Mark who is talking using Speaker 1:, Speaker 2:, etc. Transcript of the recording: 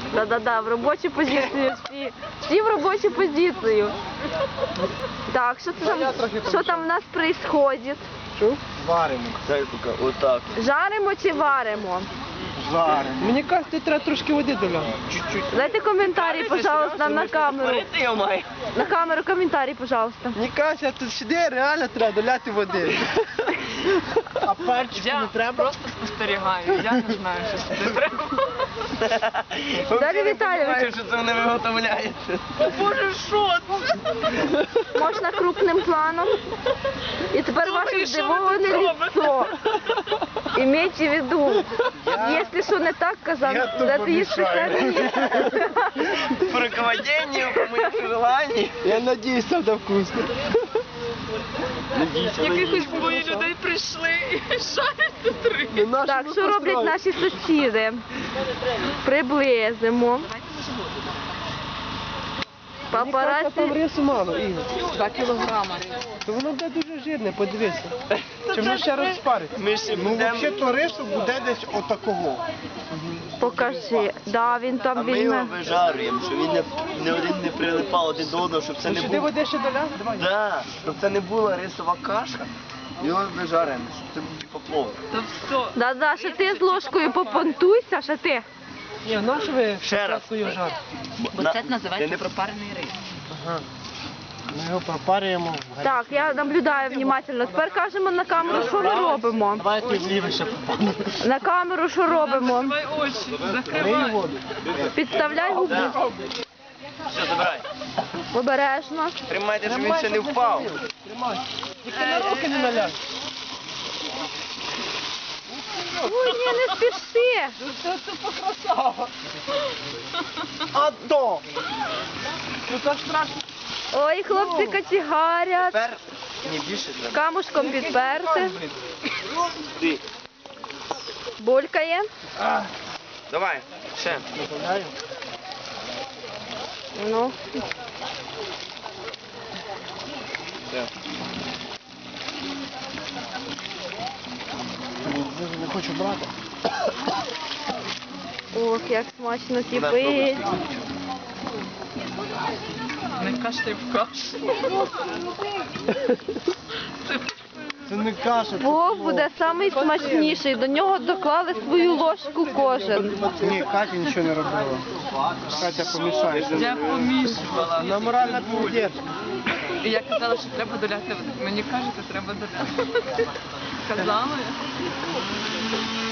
Speaker 1: Да-да-да, в робочу позицію всі. Всі в робочу позицію. Так, що там в нас происходит?
Speaker 2: Що? Варимо.
Speaker 3: Дай поки, отак.
Speaker 1: Жаримо чи варимо?
Speaker 2: Жаримо. Мені кажуть, треба трошки води доляти. Чуть-чуть.
Speaker 1: Дайте коментарі, пожалуйста, на камеру.
Speaker 3: Я маю.
Speaker 1: На камеру коментарі, пожалуйста.
Speaker 2: Мені кажуть, тут сюди реально треба доляти води. А перчику не треба?
Speaker 4: Просто спостерігаю, я не знаю, що сюди треба.
Speaker 1: Далі Віталійович.
Speaker 3: Що це вони виготовляється.
Speaker 4: Боже, що це?
Speaker 1: Можна крупним планом. І тепер
Speaker 4: Думаю,
Speaker 1: ваше
Speaker 4: що ви
Speaker 1: здивоване
Speaker 4: тут робите?
Speaker 1: лицо. Імейте в виду, якщо що не так казав,
Speaker 2: Я тупо
Speaker 1: дайте їсти
Speaker 2: мішаю.
Speaker 1: самі.
Speaker 3: По руководенню, по моїм желанню.
Speaker 2: Я надіюсь, це буде вкусно.
Speaker 4: Якихось двоє людей прийшли і шарять тут рибу.
Speaker 1: Так, що роблять наші сусіди? Приблизимо.
Speaker 2: Там
Speaker 1: Папараці.
Speaker 2: рису мало, Ігор.
Speaker 4: 2 кілограма.
Speaker 2: То воно буде дуже жирне, подивися. Чи воно ще розпариться?
Speaker 3: Ми ще
Speaker 5: Ну,
Speaker 3: будемо...
Speaker 5: взагалі-то рису буде десь отакого.
Speaker 1: Покажи. Да, він
Speaker 3: А
Speaker 1: там
Speaker 3: ми його
Speaker 1: візьме.
Speaker 3: вижарюємо, щоб він не один не прилипав один до одного, щоб це
Speaker 2: Ну,
Speaker 3: не
Speaker 2: сюди
Speaker 3: було...
Speaker 2: води ще доляти? Давай.
Speaker 3: Да, щоб це не була рисова каша. Його вижарюємо, щоб це був типу плов.
Speaker 4: Та все.
Speaker 1: Да-да, ще ти з ложкою попонтуйся, ще ти.
Speaker 2: Ні, на що ви
Speaker 3: Ще раз.
Speaker 2: спочатку його жарите?
Speaker 4: Бо це називається
Speaker 3: не
Speaker 4: пропарений рис.
Speaker 2: Ага. Ми його пропарюємо.
Speaker 1: Так, я наблюдаю внимательно. Тепер кажемо на камеру, що ми робимо.
Speaker 2: Давайте влівіше попадемо.
Speaker 1: На камеру, що робимо.
Speaker 4: Закривай очі,
Speaker 2: Лий
Speaker 4: закривай.
Speaker 2: воду.
Speaker 1: Підставляй губу.
Speaker 3: Все, забирай.
Speaker 1: Обережно.
Speaker 3: Тримайте, щоб він ще не впав.
Speaker 2: Тримай. Тільки на руки не наляй.
Speaker 1: Ой, ні, не спіши.
Speaker 2: Це покрасава. А то! Ну це страшно.
Speaker 1: Ой, хлопці качегарять.
Speaker 3: Тепер не більше треба.
Speaker 1: Камушком підперти.
Speaker 3: Ти.
Speaker 1: Булькає.
Speaker 3: Давай, ще.
Speaker 2: Добавляю.
Speaker 1: Ну.
Speaker 3: Все.
Speaker 2: Не хочу брати.
Speaker 1: Ох, як смачно кипить.
Speaker 4: Не кашляй в кашу.
Speaker 2: Це не каша. це
Speaker 1: Плов буде самий смачніший. До нього доклали свою ложку кожен.
Speaker 5: Ні, Катя нічого не робила. Катя помішає.
Speaker 4: Я помішувала.
Speaker 2: Вона моральна підтримка.
Speaker 4: І я казала, що треба доляти. Мені кажете, треба доляти. Казала я.